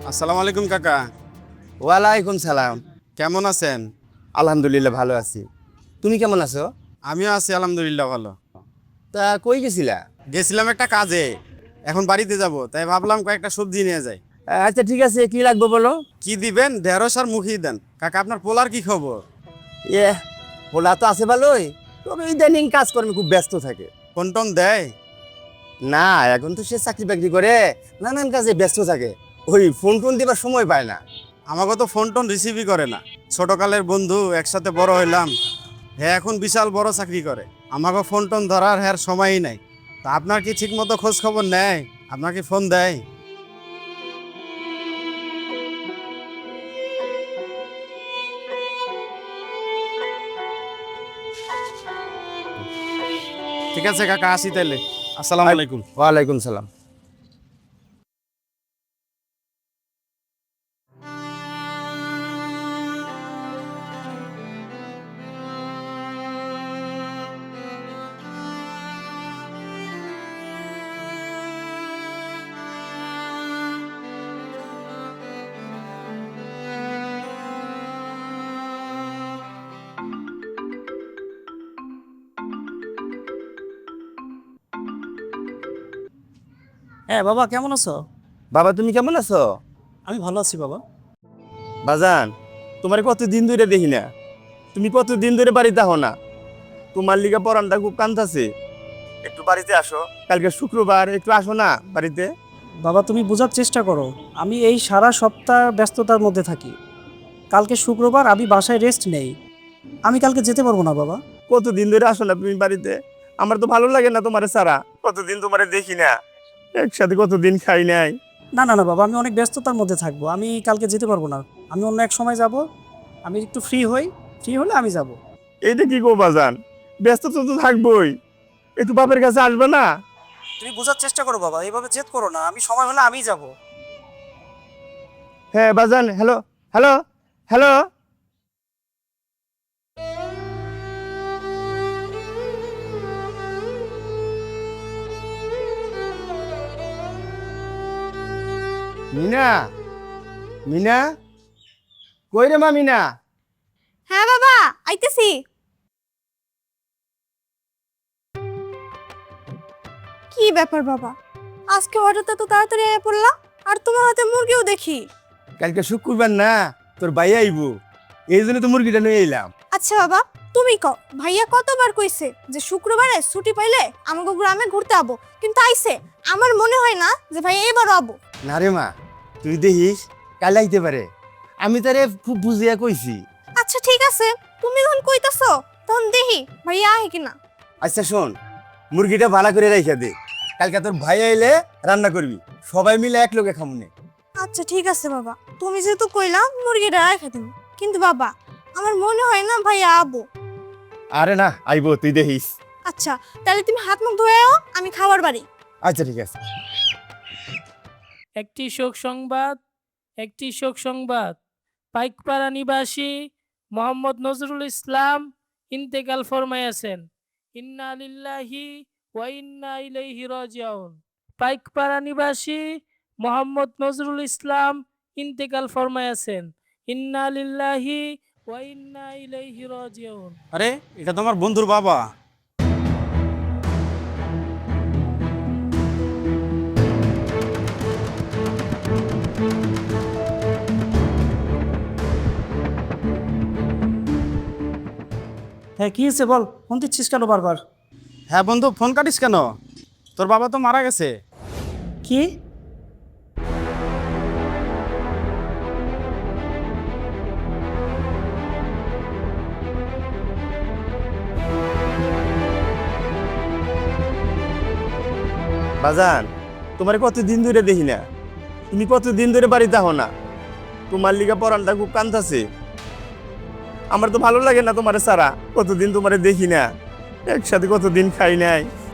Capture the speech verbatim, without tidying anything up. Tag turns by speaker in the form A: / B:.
A: আসসালামু আলাইকুম কাকা।
B: ওয়ালাইকুম সালাম।
A: কেমন আছেন?
B: আলহামদুলিল্লাহ ভালো আছি। তুমি কেমন আছো?
A: আমিও আছি আলহামদুলিল্লাহ ভালো।
B: তা কই গেছিলা?
A: গেছিলাম একটা কাজে, এখন বাড়িতে যাব, তাই ভাবলাম কয়েকটা সবজি নিয়ে যাই।
B: আচ্ছা ঠিক আছে, কি লাগবে বলো।
A: কি দিবেন? ঢেঁড়স আর মুখি দেন। কাকা আপনার পোলার কি খবর?
B: এ পোলা তো আছে ভালোই, তবে ইদানিং কাজকর্মে খুব ব্যস্ত থাকে।
A: ফোন টোন দেয়?
B: না, এখন তো সে চাকরি বাকরি করে নানান কাজে ব্যস্ত থাকে, ওই ফোন টোন দিবার সময় পায় না।
A: আমাকে তো ফোন টোন রিসিভই করে না। ছোটকালের বন্ধু, একসাথে বড় হইলাম। হ্যাঁ, এখন বিশাল বড় চাকরি করে, আমাকে ফোন টোন ধরার হ্যাঁ সময়ই নাই। তা আপনার কি ঠিক মতো খোঁজ খবর নেয়? আপনার কি ফোন দেয়? ঠিক আছে কাকা, আসি তাইলে। আসসালামু আলাইকুম।
B: ওয়ালাইকুম সালাম।
C: হ্যাঁ বাবা, কেমন আছো?
B: বাবা তুমি কেমন আছো?
C: আমি ভালো আছি বাবা।
B: বাজান, তোমার কতদিন ধরে দেখি না, তুমি কতদিন ধরে বাড়িতে আহো না। তোমার লিগা পরানটা খুব কান্দাছে, একটু বাড়িতে আসো। কালকে শুক্রবার, একটু আসো না বাড়িতে।
C: বাবা তুমি বোঝার চেষ্টা করো, আমি এই সারা সপ্তাহ ব্যস্ততার মধ্যে থাকি। কালকে শুক্রবার, আমি বাসায় রেস্ট নেই। আমি কালকে যেতে পারবো না বাবা।
B: কতদিন ধরে আসো না তুমি বাড়িতে, আমার তো ভালো লাগে না তোমারে ছাড়া। কতদিন তোমারে দেখি না, একসাথে কতদিন খাই নাই।
C: না না না বাবা, আমি অনেক ব্যস্ততার মধ্যে থাকবো, আমি কালকে যেতে পারবো না। আমি অন্য এক সময় যাব, আমি একটু ফ্রি হই, ফ্রি হলে আমি যাব।
B: এইটা কি গো বাজান, ব্যস্ত তো তো থাকবোই, একটু বাপের কাছে আসবে না?
C: তুমি বোঝার চেষ্টা করো বাবা, এইভাবে জেদ করো না, আমি সময় হলে আমিই যাব।
B: হ্যাঁ বাজান, hello hello hello. Mina, Mina, কই রে মা মিনা?
D: হ্যাঁ বাবা, আইতেছি। কি ব্যাপার বাবা, আজকে হঠাৎ এত তাড়াতাড়ি আয়া পড়লা? আর তোমার হাতে মুরগিও দেখি।
B: কালকে শুক্রবার না, তোর ভাই আইব, এই জন্য তো মুরগিটা নিয়ে এলাম।
D: আচ্ছা বাবা, তুমি কও, ভাইয়া কতবার কইছে যে শুক্রবারে ছুটি পাইলে আমাকে গ্রামে ঘুরতে আবো, কিন্তু আইছে। আমার মনে হয় না যে ভাইয়া এবারও আবো।
B: না রে মা, তুই দেখিস কাল আইতে পারে, আমি তারে খুব বুঝিয়া কইছি।
D: আচ্ছা ঠিক আছে, তুমি যখন কইতাছো তখন দেখি ভাইয়া আহে কিনা।
B: আচ্ছা শোন, মুরগিটা ভালো করে রাইখা দে, কালকে তোর ভাই আইলে রান্না করবি, সবাই মিলে এক লোকে খামুনে।
D: আচ্ছা ঠিক আছে বাবা, তুমি যেহেতু কইলা মুরগিটা রেখে দিন, কিন্তু বাবা আমার মনে হয় না ভাইয়া আবো।
B: আরে না, আইব, তুই দেখিস।
D: আচ্ছা তাহলে তুমি হাত মুখ ধুয়ে আও, আমি খাবার বাড়ি।
B: আচ্ছা ঠিক আছে।
E: একটি শোক সংবাদ, একটি শোক সংবাদ। পাইকপাড়া নিবাসী মোহাম্মদ নজরুল ইসলাম ইন্তেকাল ফরমাইয়াছেন। ইন্না লিল্লাহি ওয়া ইন্না ইলাইহি রাজিউন। পাইকপাড়া নিবাসী মোহাম্মদ নজরুল ইসলাম ইন্তেকাল ফরমাইয়াছেন। ইন্না লিল্লাহি ওয়া ইন্না ইলাইহি রাজিউন।
A: আরে, এটা তো আমার বন্ধুর বাবা।
C: হ্যাঁ কি হয়েছে বল, ফোন দিচ্ছিস কেন বারবার?
A: হ্যাঁ বন্ধু, ফোন কাটিস কেন? তোর বাবা তো মারা গেছে।
C: কি?
B: বাজান, তোমার কতদিন ধরে দেখি না, তুমি কতদিন ধরে বাড়িতে আহো না, তোমার লিগা পরানটা খুব কান্দাছে। আমার তো ভালো লাগে না তোমারে ছাড়া, কতদিন তোমারে দেখি না, একসাথে কতদিন খাই নাই।